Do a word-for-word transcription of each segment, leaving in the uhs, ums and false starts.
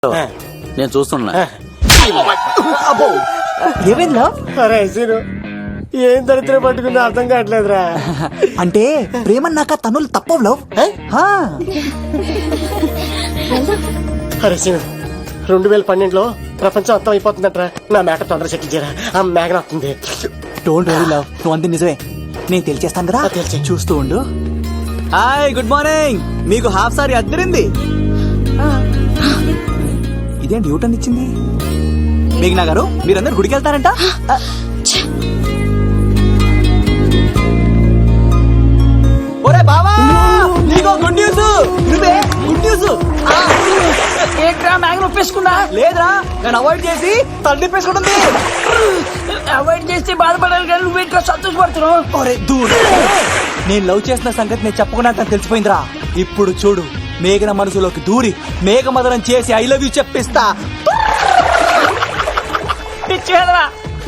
నేను చూస్తున్నా. ఏమైందా? అరే సీను, ఏం దరిద్రం పట్టుకుందో అర్థం కావట్లేదురా. అంటే ప్రేమన్నాక తనులు తప్పవు లవ్. అరే సీను, రెండు వేల పన్నెండులో ప్రపంచం అర్థం అయిపోతుందట్రా. నా మేక తొందర సెటిల్ చేయరా, ఆ మేఘన వస్తుంది. డోంట్ వరీ లవ్, నువ్వు అంతే నిజమే. నేను తెలిచేస్తాను కదా, తెలిసే చూస్తూ ఉండు. Hi, good morning. మీకు హాఫ్ సారీ అద్దరింది. ఇదేంటి యూటర్న్ ఇచ్చింది? మేఘనా గారు, మీరందరు గుడికి వెళ్తారంట. ఒరే బావా, నీకో గుడ్ న్యూస్. నువ్వే గుడ్ న్యూస్. ఏంట్రా మ్యాగ్ ఒప్పేసుకున్నా? లేదురా, నేను అవాయిడ్ చేసి తల్లి పేసుకుంటుంది. అవాయిడ్ చేస్తే బాధపడాలి కానీ నువ్వేంట్రా సంతోషపడుతున్నావు? ఒరే దూడు, నేను లవ్ చేసిన సంగతి నేను చెప్పకుండా తనకు తెలిసిపోయిందిరా. ఇప్పుడు చూడు, మేఘన మనసులోకి దూరి మేఘమదనం చేసి ఐ లవ్ యూ చెప్పిస్తా. పిచ్చేదరా.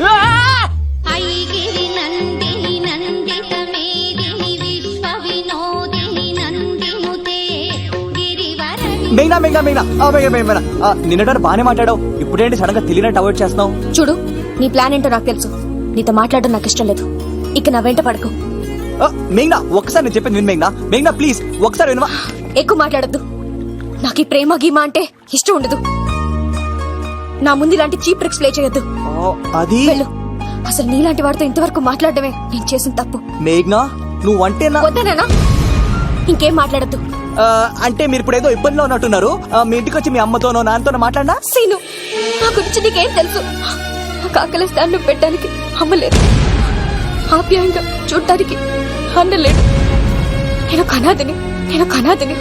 ఐగిరి నందిని నందిత మేదిని విశ్వ వినోదిని నందినుతే గిరివరణి. మేఘనా మేఘనా మేఘనా ఆ, మేఘనా మేఘనా ఆ, నిన్నటారు బానే మాట్లాడావు, ఇప్పుడేంటి సడన్ గా తెలియనట్టు అవాయిడ్ చేస్తున్నావు? చూడు, నీ ప్లాన్ ఏంటో నాకు తెలుసు. నీతో మాట్లాడడం నాకు ఇష్టం లేదు. ఇక నా వెంట పడకు. ఆ, మేఘనా ఒక్కసారి నేను చెప్పింది విను. మేఘనా మేఘనా ప్లీజ్ ఒక్కసారి వినవా? ఎక్కువ మాట్లాడద్దు. నాకు ఈ ప్రేమ గీమా అంటే ఇష్టం ఉండదు. నా ముందు ఇలాంటి చీప్ ట్రిక్స్ ప్లే చేయొద్దు. అది వెళ్ళు. అసలు నీలాంటి వాడితో ఇంతవరకు మాట్లాడడమే నేను చేసిన తప్పు. మేఘనా నువ్వు అంటే నా వద్దనేనా? ఇంకేం మాట్లాడద్దు. ఆ, అంటే మీరు ఇప్పుడు ఏదో ఇబ్బందిలో ఉన్నట్టున్నారు. ఆ, మీ ఇంటికి వచ్చి మీ అమ్మతోనో నాన్నతోనో మాట్లాడినా? సీను, నా గురించి నీకేం తెలుసు? నాకు ఆకలిస్తే అన్నం పెట్టడానికి అమ్మలేదు, ఆప్యాయంగా చూడటానికి అన్నలేడు. నేను కనాదిని, నేను కనాదిని.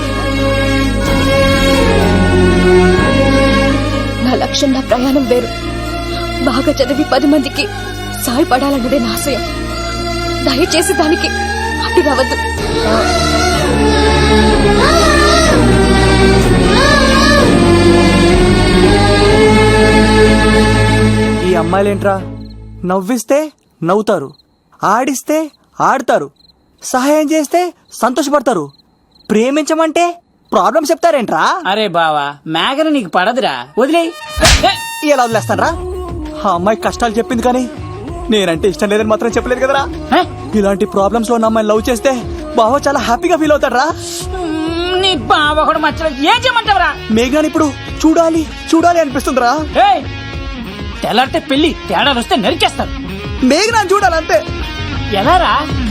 నా లక్ష్యం, నా ప్రయాణం వేరు. బాగా చదివి పది మందికి సాయపడాలన్నదే నా ఆశయం. దయచేసి దానికి అడ్డు రావద్దు. ఈ అమ్మాయిలేంట్రా, నవ్విస్తే నవ్వుతారు, ఆడిస్తే ఆడతారు, సహాయం చేస్తే సంతోషపడతారు, ప్రేమించమంటే ప్రాబ్లం చెప్తారేంట్రా? అరే బావా, మేఘన నీకు పడదురా, వదిలే. ఎలా వదిలేస్తానరా? ఆ అమ్మాయి కష్టాలు చెప్పింది కానీ నేనంటే ఇష్టం లేదని మాత్రం చెప్పలేదు కదరా. ఇలాంటి ప్రాబ్లమ్స్ లో ఉన్న అమ్మాయిని లవ్ చేస్తే బావ చాలా హ్యాపీగా ఫీల్ అవుతాడరా. నీ బావ కూడా మచ్చలేదు. ఏం చేయమంటావరా? మేఘాని ఇప్పుడు చూడాలి చూడాలి అనిపిస్తుందిరా. తెల్లారితే పెళ్లి, తేడాలు వస్తే నరికేస్తారు. మేఘనాన్ని చూడాలంతే. ఎలారా?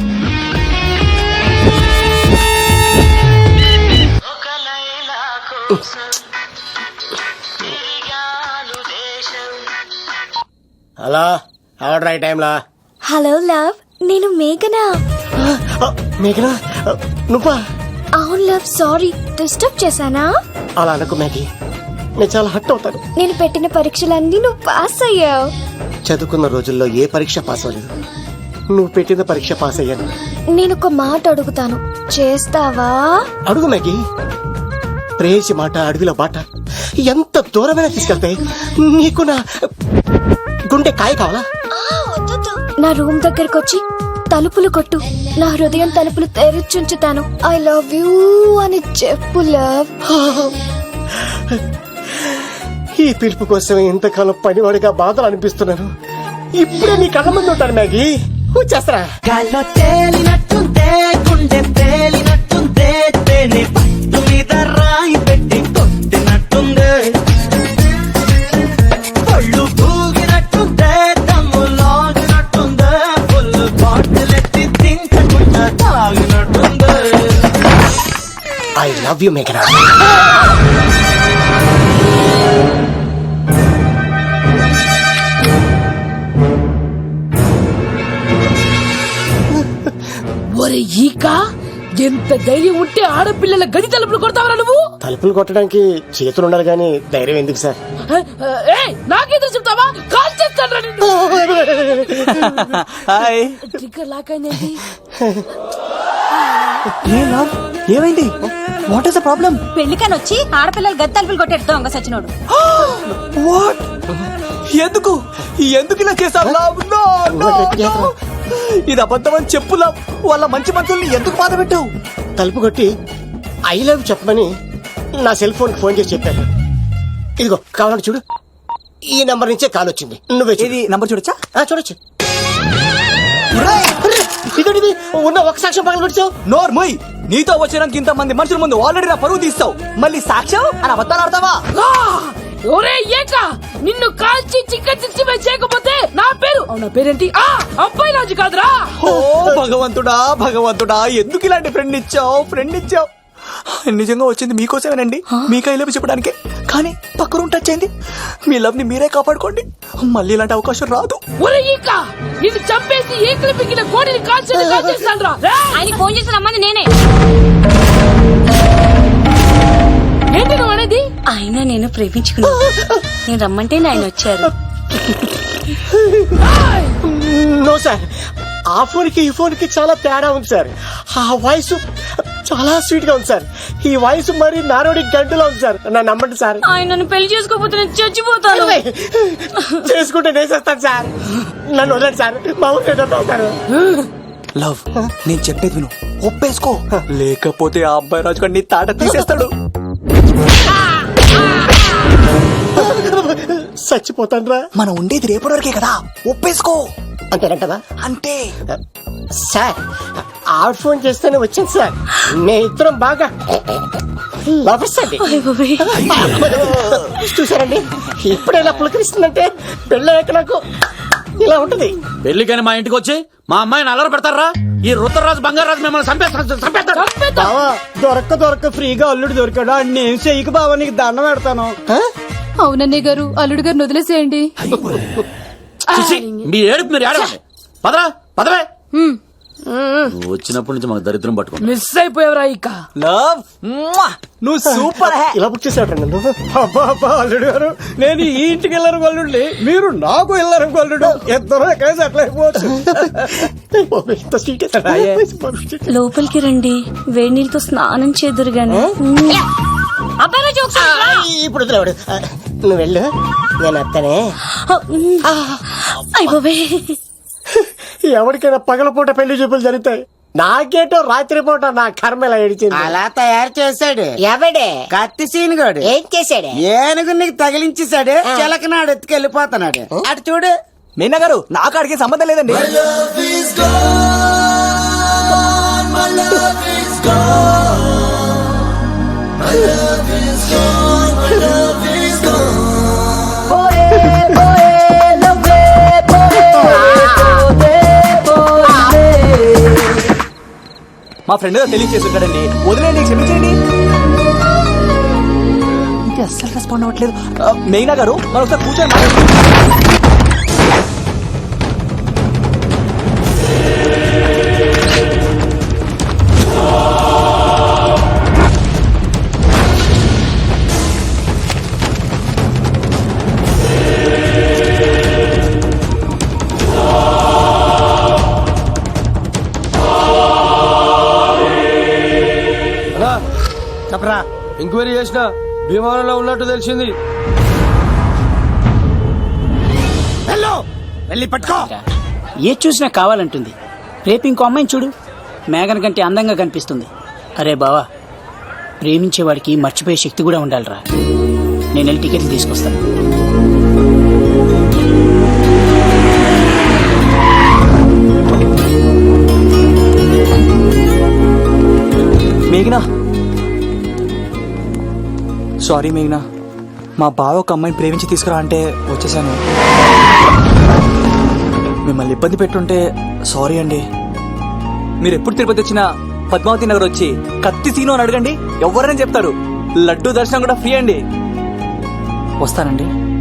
హలో, ఆర్డర్ అయ్యే టైంలా. హలో లవ్, నేను మేఘనా. మేఘనా, నువ్వా? అవును లవ్, సారీ డిస్టర్బ్ చేశానా? అలా అనుకో మ్యాగీ, నేను చాలా హట్ అవుతాను. నేను పెట్టిన పరీక్షలన్నీ నువ్వు పాస్ అయ్యావు. చదువుకున్న రోజుల్లో ఏ పరీక్ష పాస్ అవ్వలేదు, నువ్వు పెట్టిన పరీక్ష పాస్ అయ్యాను. నేను ఒక మాట అడుగుతాను, చేస్తావా? అడుగు మ్యాగీ. ప్రేయసి మాట అడవిలో బాట ఎంత దూరమైనా తీసుకెళ్తాయి. నీకు నా గుండె కాయ కావాలా? నా రూమ్ దగ్గరకు వచ్చి తలుపులు కొట్టు, నా హృదయం తలుపులు తెరిచుంచుతాను. ఐ లవ్ యూ అని చెప్పు లవ్. ఈ పిలుపు కోసమే ఇంతకాలం పనివాడిగా బాధలు అనిపిస్తున్నాను. ఇప్పుడే నీ కళ్ళ ముందు ఉంటాను మ్యాగీ, వచ్చేస్తారా? గాల్లో తేలినట్టుందే, గుండె తేలినట్టుందే, తేనె పట్టు మీద రాయి పెట్టి కొట్టినట్టుందే, పళ్ళు పూగినట్టుందే, దమ్ము లాగినట్టుందే, ఫుల్ బాటిలెత్తి తింటకుండా తాగినట్టుందే. ఐ లవ్ యూ మేఘనా. ఒరే ఈక, ఎంత ధైర్యం ఉంటే ఆడపిల్లల గడి తలుపులు కొడతావరా నువ్వు? తలుపులు కొట్టడానికి చేతులు ఉండాలి కానీ ధైర్యం ఎందుకు సార్? నాకేదో చెప్తావా? కాల్ చేస్తాను. హాయ్. ట్రిగ్గర్ లాక్ అయింది. ఏ లవ్, ఏమైంది? What is the problem? పెళ్లికని వచ్చి ఆడపిల్లలు గది తలుపులు కొట్టేడు దొంగ సచ్చినోడు. వాట్? ఎందుకు ఎందుకు ఇలా చేశావు లవ్? నో నో నో, ఇది అబద్ధమని చెప్పు లవ్. వాళ్ళ మంచి మనుషుల్ని ఎందుకు బాధ పెట్టావు? తలుపు కొట్టి ఐ లవ్ చెప్పమని నా సెల్ ఫోన్ ఫోన్ చేసి చెప్పాను. ఇదిగో కావాలంటే చూడు, ఈ నంబర్ నుంచే కాల్ వచ్చింది. నువ్వే చూడు. ఇది నంబర్ చూడొచ్చా? ఆ, చూడొచ్చు. ఇదేంటిది? ఉన్న ఒక సాక్ష్యం పగల కొట్టావు. నోర్ మొయ్. నీతో వచ్చినాక ఇంత మంది మనుషుల ముందు ఆల్రెడీ నా పరువు తీస్తావు, మళ్ళీ సాక్ష్యం అని అబద్ధాలు ఆడతావా? ఆ! ఒరే ఏక నిన్ను కాల్చి చికెన్ సిక్స్టీ ఫైవ్ చేయకపోతే నా పేరు అవునా పేరేంటి ఆ అబ్బాయి రాజు కాదురా. ఓ భగవంతుడా భగవంతుడా, ఎందుకు ఇలాంటి ఫ్రెండ్ ఇచ్చావు ఫ్రెండ్ ఇచ్చావు? నిజంగా వచ్చింది మీకోసమేనండి, మీకై లవ్ చెప్పడానికే. కానీ పక్క రూమ్ టచ్ అయింది. మీ లవ్ ని మీరే కాపాడుకోండి, మళ్ళీ ఇలాంటి అవకాశం రాదు. ఒరే ఈక నిన్ను చంపేసి ఏకలు పిగిన కోడిని కాల్చి కాల్చేస్తాను రా. ఆయన ఫోన్ చేసి రమ్మని నేనే. ఏంటి నువ్వు అనేది? ఆయన నేను ప్రేమించుకున్నా, నేను రమ్మంటే ఆయన వచ్చారు. నో సార్, ఆ ఫోన్ కి ఈ ఫోన్ కి చాలా తేడా ఉంది సార్. ఆ వాయిస్ చాలా స్వీట్ గా ఉంది సార్, ఈ వాయిస్ మరి నారోడి గంటలో ఉంది సార్. నా నమ్మండి సార్. ఆయన నన్ను పెళ్లి చేసుకోకపోతే నేను చచ్చిపోతాను. చేసుకుంటే నేను చేస్తాను సార్, నన్ను వదలండి సార్. మా ఊరు సార్. లవ్, నేను చెప్పేది విను, ఒప్పేసుకో, లేకపోతే ఆ అబ్బాయి రాజు గారు నీ తాట తీసేస్తాడు. చచ్చిపోతాను రా. మనం ఉండేది రేపటి వరకే కదా, ఒప్పేసుకో. అంతేనంటవా? అంటే సార్ ఆవిడ ఫోన్ చేస్తేనే వచ్చింది సార్. మే ఇద్దరం బాగా లవర్స్ అండి. చూసారండి, ఇప్పుడే ఇలా పులకరిస్తుందంటే పెళ్ళయ్యాక నాకు ఇలా ఉంటది. పెళ్లికని మా ఇంటికి వచ్చి మా అమ్మాయిని అల్లరి పెడతారా? ఈ రుద్రరాజు బంగారాజు మిమ్మల్ని చంపేస్తాడు చంపేస్తాడు. బావా, దొరక్క దొరక్క ఫ్రీగా అల్లుడు దొరికాడు, నేను చెయ్యికి బావా నీకు దండం పెడతాను. అవునన్నయ్య గారు, అల్లుడు గారిని వదిలేసేయండి. చూసి, మీ ఏడుపు మీరు ఏడవండి. పదరా పదవే. నువ్వు వచ్చినప్పటి నుంచి మాకు దరిద్రం పట్టుకో. మిస్ అయిపోయావురా ఈక. లవ్, నువ్వు సూపర్ హే. ఇలా బుక్ చేసాడు నన్ను. అబ్బా అబ్బా అల్లుడు గారు, నేను ఈ ఇంటికి వెళ్ళరు గల్లుండి, మీరు నాకు వెళ్ళరు గల్లుడు, ఇద్దరు కలిసి అట్లా అయిపోవచ్చు. ఇంత స్వీట్ వేసాడు. లోపలికి రండి, వేడి నీళ్ళతో స్నానం చేదురు గాని. అబ్బాయి రాజు ఒకసారి ఇప్పుడు వదిలేవాడు. నువ్వు వెళ్ళు, నేను అత్తనే. అయిపోవే. ఎవరికైనా పగలపూట పెళ్లి చూపులు జరుగుతాయి, నాకేటో రాత్రి పూట నా కర్మ ఇలా ఏడిచింది. అలా తయారు చేశాడు ఎవడే? కత్తి సీనుగాడు. ఏం చేశాడే? ఏనుగు నీకు తగిలించేశాడు, చిలకనాడు ఎత్తుకెళ్ళిపోతున్నాడు. అటు చూడు. మీనా గారు, నాకు అడిగే సంబంధం లేదండి. మా ఫ్రెండ్ తెలియచేస్తుంటాడండి, వదిలేండి, క్షమించండి. ఇంకా అస్సలు రెస్పాండ్ అవ్వట్లేదు. మెయినా గారు, మనం ఒకసారి కూర్చొని మాట్లాడుకుందాం. చెప్పరా, ఎంక్వైరీ చేసిన భీమవరంలో ఉన్నట్టు తెలిసింది. వెళ్ళి పట్టుకో. ఏ చూసినా కావాలంటుంది. రేపు ఇంకో అమ్మాయిని చూడు, మేఘన కంటే అందంగా కనిపిస్తుంది. అరే బావా, ప్రేమించేవాడికి మర్చిపోయే శక్తి కూడా ఉండాలిరా. నేను వెళ్ళి టికెట్లు తీసుకొస్తాను. మేఘనా, సారీ మేఘనా, మా బావ ఒక అమ్మాయిని ప్రేమించి తీసుకురా అంటే వచ్చేసాను. మిమ్మల్ని ఇబ్బంది పెట్టుంటే సారీ అండి. మీరు ఎప్పుడు తిరుపతి వచ్చినా పద్మావతి నగర్ వచ్చి కత్తి సీను అని అడగండి, ఎవరైనా చెప్తారు. లడ్డూ దర్శనం కూడా ఫ్రీ అండి. వస్తానండి.